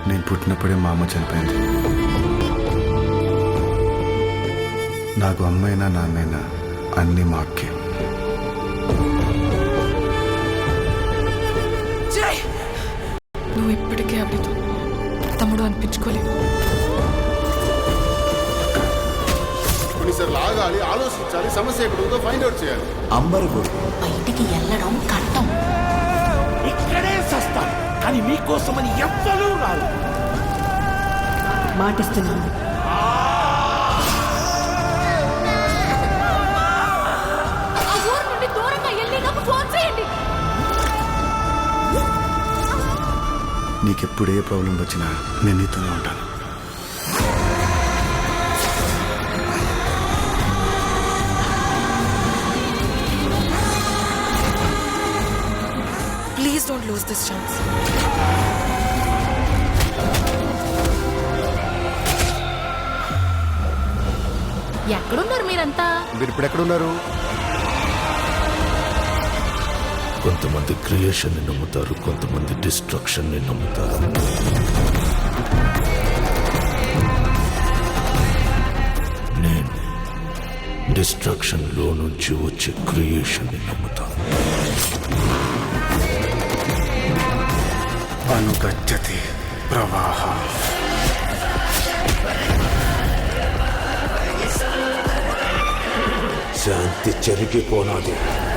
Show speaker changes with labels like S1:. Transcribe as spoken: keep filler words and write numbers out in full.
S1: నేను పుట్టినప్పుడే మా అమ్మ చనిపోయింది. నాకు అమ్మైనా నాన్నైనా అన్నీ మా అక్కే.
S2: నువ్వు ఇప్పటికే అభితో తమ్ముడు అనిపించుకోలేవు.
S3: కొన్నిసార్లు ఆగాలి, ఆలోచించాలి, సమస్య ఎక్కడుందో ఫైండ్ అవుట్ చేయాలి.
S4: అంబరు
S5: బయటికి వెళ్ళడం కట్టం.
S6: ఇక్కడే సస్తాను కానీ మీకోసమని ఎవ్వరూ రారు.
S5: మాటిస్తున్నాను.
S1: నీకెప్పుడు ఏ ప్రాబ్లం వచ్చినా నేను నీతోనే ఉంటాను.
S2: Please don't lose this chance.
S5: ఎక్కడున్నారు మీరంతా?
S3: మీరు ఇప్పుడు ఎక్కడున్నారు?
S6: కొంతమంది క్రియేషన్ ని నమ్ముతారు, కొంతమంది డిస్ట్రక్షన్ ని నమ్ముతారు. నేను డిస్ట్రక్షన్ లో నుంచి వచ్చే క్రియేషన్ ని నమ్ముతాను.
S1: అనుగచ్చతి ప్రవాహ.
S6: శాంతి చెరిగిపోనాది.